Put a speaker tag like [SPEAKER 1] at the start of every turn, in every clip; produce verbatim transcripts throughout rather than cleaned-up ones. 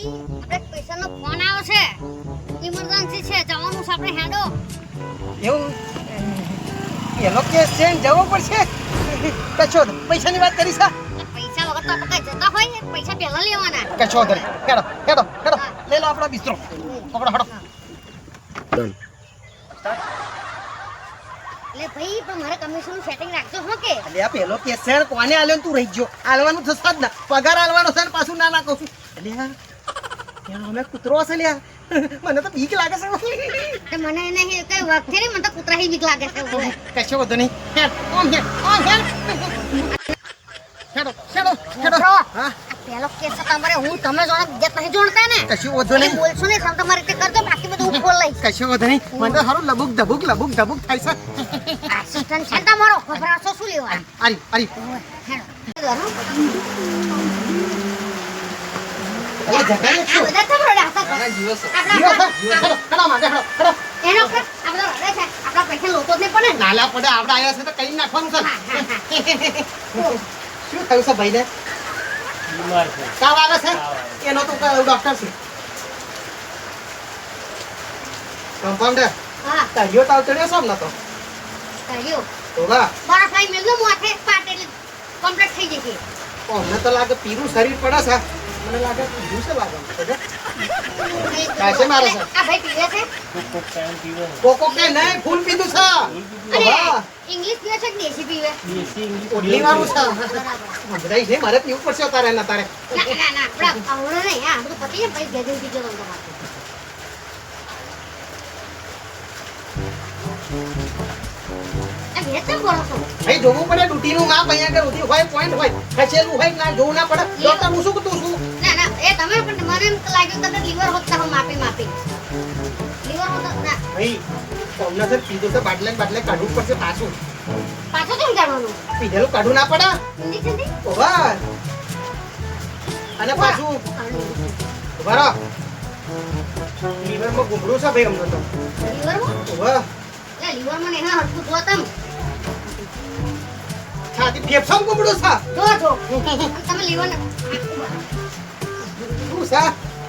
[SPEAKER 1] આપણે પેશન્ટનો ફોન આવ્યો છે, ઇમરજન્સી છે, જવાનું છે આપણે હેડો.
[SPEAKER 2] એવું એનો કેસ છે ને જવો પડશે. કશો પૈસાની વાત કરી સા
[SPEAKER 1] પૈસા વગર તો આપણે કઈ જતા હોય ને, પૈસા પહેલા લેવાના.
[SPEAKER 2] કશો ધરે હેડો હેડો હેડો લઈ લો આપણો બિસ્તરો પકડો હેડો.
[SPEAKER 3] ડન.
[SPEAKER 1] એટલે ભાઈ પણ મારે કમિશનનું સેટિંગ રાખજો હો કે.
[SPEAKER 2] એટલે આ પેલો કેસ છે ને કોને આલ્યો ને તું રહી ગયો. આલવાનું થશે જ ના, પગાર આલવાનો છે ને પાછું ના ના કહું છું. એટલે આ અમે કૂતરો હશે લ્યા, મને તો બીક લાગે છે.
[SPEAKER 1] તો મને એને કઈ વાગ છે ને, મને તો કૂતરાહી બીક લાગે છે.
[SPEAKER 2] કશો વધુ નહીં. હેડ ઓમ હેડ ઓમ હેડ હેડો હેડો હેડો. હા
[SPEAKER 1] પેલો કેસ છે તમારે, હું તમે જોડે જત નહીં જોડતા ને.
[SPEAKER 2] કશું વધુ નહીં.
[SPEAKER 1] બોલશો ને તમે તમારી રીતે કરજો, બાકી બધું હું બોલ લઈશ.
[SPEAKER 2] કશું વધુ નહીં. મને તો સારું લબુક ધબુક લબુક ધબુક થાય છે.
[SPEAKER 1] આસિસ્ટન્ટ છે તમારો, ખબરાશો શું લેવા?
[SPEAKER 2] આરી આરી
[SPEAKER 1] હેડો.
[SPEAKER 2] અલા જગાને
[SPEAKER 1] આ બધા તમારા હતા.
[SPEAKER 2] જીવો છે જીવો છે.
[SPEAKER 1] આપણા
[SPEAKER 2] હેડો હેડો માં હેડો હેડો.
[SPEAKER 1] એનો કર આ બધો હરે છે, આપણા પૈસા લોટો જ નહીં પડે ને.
[SPEAKER 2] નાલા પડે આપણે આયા છે તો કઈ નાખવાનું છે. શું થયું છે ભાઈને?
[SPEAKER 3] બીમાર છે.
[SPEAKER 2] તાવ આવે છે? એનો તો ડોક્ટર છે. કમ્પાઉન્ડર
[SPEAKER 1] હા
[SPEAKER 2] તારીઓ તાવ ચડ્યો છે હમણાં તો.
[SPEAKER 1] કર્યો
[SPEAKER 2] તો વાહ
[SPEAKER 1] બરફ આઈ મેલનો માથે પાટ એટલે કમ્પ્લીટ થઈ જશે.
[SPEAKER 2] અમને તો લાગે પીરું શરીર પડે છે. મને લાગે પીરું છે લાગે. કાશે મારે છે?
[SPEAKER 1] આ ભાઈ પીવે છે
[SPEAKER 3] કોક ટાઈમ પીવે છે.
[SPEAKER 2] કોકો કે નહીં ફૂલ પીધું છે.
[SPEAKER 1] અને
[SPEAKER 2] વાહ
[SPEAKER 1] ઇંગ્લિશ પીવે છે કે દેશી પીવે?
[SPEAKER 3] દેશી ઇંગ્લિશ
[SPEAKER 2] ઓટલી વાળું છે.
[SPEAKER 1] બરાબર.
[SPEAKER 2] સમજાય છે મારે પીવું પડશે તારે ના તારે.
[SPEAKER 1] ના ના ના આપણા આવડે નહીં. આ બધું પતી જાય પછી ગેજે પીજો તમને માથે. આ ભેજ કેમ બોલો છો?
[SPEAKER 2] ભાઈ જોવું પડે ડ્યુટીનું માપ અહીંયા આગળ ઉધી હોય પોઈન્ટ હોય ખસેલું હોય ના જોવું ના પડે. ડોક્ટર હું શું કહેતું છું?
[SPEAKER 1] ના ના એ તમે પણ મને એમ લાગ્યું કે લીવર હોત તો માપી માપી લીવર હોત ના
[SPEAKER 2] ભાઈ કોમના સર પીધું તો બાટલે ને બાટલે કાઢવું પડશે પાછું.
[SPEAKER 1] પાછો કેમ કાઢવાનું?
[SPEAKER 2] પીધેલું કાઢવું ના પડે.
[SPEAKER 1] ઇન્જેક્શન થી
[SPEAKER 2] ઓવા અને પાછું ઉભા રહો. લીવરમાં ગુમડું છે ભાઈ અમને તો.
[SPEAKER 1] લીવર માં
[SPEAKER 2] ઓવા
[SPEAKER 1] એ લીવર માં એના હરખું જો તમ
[SPEAKER 2] છાતી ફેફસામાં ગુમડું છે.
[SPEAKER 1] જો જો તમે લીવર ને
[SPEAKER 2] શું છે?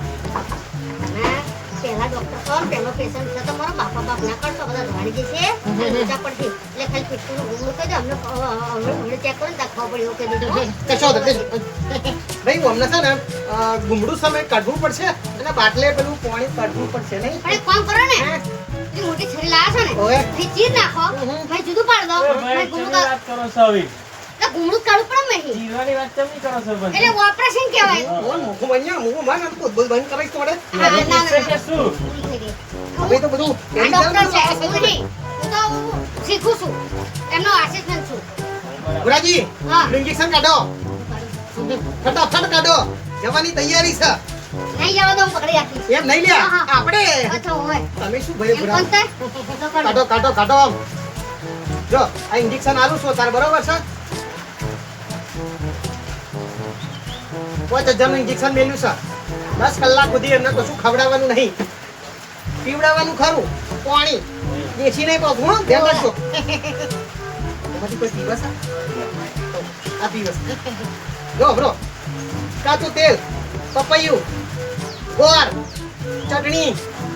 [SPEAKER 1] પહેલા ડોક્ટર કોણ પહેલો પેશન્ટ છે તો મારો બાપા બાપ ના કરશો બધા ધોવાડી જશે ઊંચા પડશે એટલે ખાલી પેટનું ગુમડું કહી દો અમને હમણાં ચેક કરીને દાખવા પડ્યો કે દીધું
[SPEAKER 2] કશો નથી. ભાઈ હું અમને છે ને અ, ગુમડું સમય કાઢવું પડશે અને બાટલે પેલું પાણી કાઢવું પડશે નહીં.
[SPEAKER 1] પણ એક કામ કરો ને પેલી મોટી છરી લાયા છો
[SPEAKER 2] ઓવે.
[SPEAKER 1] ને એ ચીર નાખો ભાઈ જુદું પાડ દો
[SPEAKER 3] ઓય
[SPEAKER 1] ભાઈ
[SPEAKER 3] ભાઈ,
[SPEAKER 1] ગુમડું
[SPEAKER 3] કેવી
[SPEAKER 1] કાઢ-
[SPEAKER 3] વાત કરો છો હવે?
[SPEAKER 1] એટલે ગુમડું કાઢવું પડે મેં
[SPEAKER 3] જીવવાની વાત કેમ નહીં કરો છો પણ?
[SPEAKER 1] એટલે ઓપરેશન કહેવાય
[SPEAKER 2] ઓન મુખું બન્યા મુખું માર બોલ બોલ બંધ કરાઈશ તમારે.
[SPEAKER 1] ના, ના, ના,
[SPEAKER 3] છે કે
[SPEAKER 1] ના.
[SPEAKER 3] શું?
[SPEAKER 1] પૂરી થઈ ગઈ.
[SPEAKER 2] હવે તો બધું
[SPEAKER 1] આ ડોક્ટર છે એવું નહીં હું તો શીખું છું એમનો આસિસ્ટન્ટ છું
[SPEAKER 2] ગુરાજી
[SPEAKER 1] હા.
[SPEAKER 2] ઇન્જેક્શન કાઢો. ફટાફટ કાઢો. જવાની તૈયારી છે.
[SPEAKER 1] નહીં જવા દો હું પકડી રાખીશ
[SPEAKER 2] એમ નહીં લ્યા
[SPEAKER 1] હા, હા.
[SPEAKER 2] આપણે
[SPEAKER 1] અચ્છા હોય
[SPEAKER 2] તમે શું ભરે
[SPEAKER 1] એમ
[SPEAKER 2] ભરા
[SPEAKER 1] પણ થાય? તો કરો.
[SPEAKER 2] કાઢો કાઢો કાઢો આમ જો આ ઇન્જેક્શન આલું છું તાર બરોબર છે. પાંચ હજારનું ઇન્જેક્શન મેલ્યું છે. દસ કલાક સુધી એમને કશું ખવડાવવાનું નહીં, પીવડાવવાનું ખરું પાણી દેશી નહીં પાછું હો ધ્યાન રાખજો. એમાંથી કોઈ પીવસ છે? આ પીવસ જો બ્રો કાચું તેલ પપૈયું ગોળ ચટણી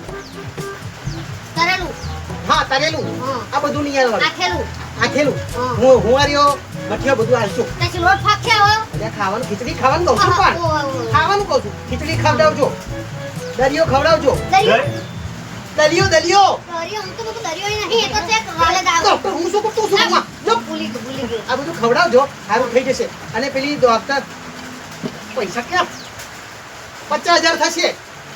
[SPEAKER 1] કરેલું
[SPEAKER 2] હા તરેલું
[SPEAKER 1] હા.
[SPEAKER 2] આ બધું નહીં આવવાનું.
[SPEAKER 1] આખેલું
[SPEAKER 2] આખેલું
[SPEAKER 1] હા.
[SPEAKER 2] હું હું આર્યો મઠિયો બધું આલશું.
[SPEAKER 1] પછી લોટ ફાક્યા હોય
[SPEAKER 2] એટલે ખાવાનું ખીચડી ખાવાનું કહું છું પણ
[SPEAKER 1] ઓય, ઓય.
[SPEAKER 2] ખાવાનું કહું છું ખીચડી ખવડાવજો દરિયો ખવડાવજો
[SPEAKER 1] દરિયો
[SPEAKER 2] દલિયો દલિયો
[SPEAKER 1] દરિયો હું તો બધું દરિયો નહીં એ તો છે વાલે દાવ
[SPEAKER 2] ડોક્ટર હું શું કરતો છું આમાં? જો,
[SPEAKER 1] ભૂલી ગયો ભૂલી ગયો
[SPEAKER 2] આ બધું ખવડાવજો સારું થઈ જશે. અને પેલી ડોક્ટર પૈસા ક્યાં? પચાસ હજાર થશે.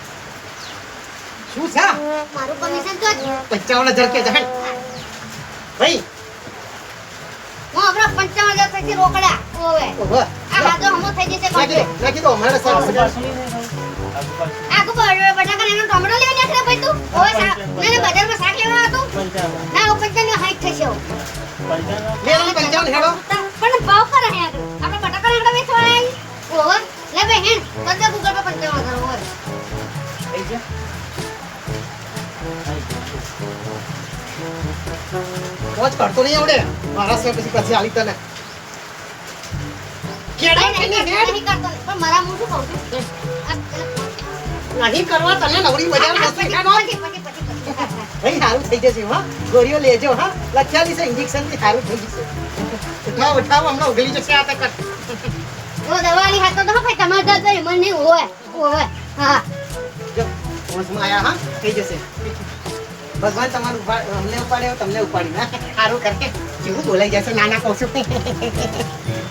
[SPEAKER 2] શું છે?
[SPEAKER 1] મારું કમિશન તો જ.
[SPEAKER 2] પંચાવન હજાર કે જાણ ભાઈ.
[SPEAKER 1] હું હમણાં પંચાવન હજાર પછી રોકડા ઓવે
[SPEAKER 2] ઓહો.
[SPEAKER 1] આ હાથો હમો થઈ જશે
[SPEAKER 2] નાખી દો
[SPEAKER 1] complete.
[SPEAKER 2] નાખી દો મારે સારું
[SPEAKER 3] આજુ
[SPEAKER 2] હજાર.
[SPEAKER 3] પાછું નહીં થાય ભાઈ? આજુ પાછું.
[SPEAKER 1] આખું બ- બટાકા એનો ટોમેટો લેવા નાખી દે ભાઈ તું ઓવે શા- ના ના બજારમાં શાક લેવા હતું
[SPEAKER 3] પંચાવન.
[SPEAKER 1] ના ઓ પંચાવન હાઈટ થશે ઓ.
[SPEAKER 3] પંચાવન.
[SPEAKER 2] લે લે પંચાવન હેડો.
[SPEAKER 1] પણ ભાવ કરે હે આગળ આપણે બટાકા લેવા વેચવા આવી ઓવે લે ભાઈ હેન કરજે ગૂગલ પર પંચાવન હજાર ઓવે
[SPEAKER 3] થઈ ગયા? થઈ ગયા.
[SPEAKER 2] મોજ કરતો નહીં આવડે મારા સિવાય પછી પછી આલી તને કેડા
[SPEAKER 1] નહીં,
[SPEAKER 2] થઈને
[SPEAKER 1] નહીં,
[SPEAKER 2] હેડ.
[SPEAKER 1] નહીં કરતો નહીં. પણ મારા હું શું કહું છું આ પેલા
[SPEAKER 2] નહીં કરવા તને નવરી બજાર બસો રૂપિયાનો
[SPEAKER 1] પછી પછી પછી પછી હા, હા.
[SPEAKER 2] ભાઈ સારું થઈ જશે હા ગોળીઓ લેજો હા લખ્યાલી છે ઇન્જેક્શન થી સારું થઈ જશે ઉઠાવો ઉઠાવો હમણાં ઉગલી જશે આ તક
[SPEAKER 1] જો દવાની હાથ તો ભાઈ તમારે દર દર મને નહીં હોય હોય હા
[SPEAKER 2] જો હોશમાં આયા હા થઈ જશે ભગવાન તમારું ઉપા- અમને ઉપાડ્યો તમને ઉપાડી ના સારું કરે કેવું બોલાઈ જશે નાના કહું છું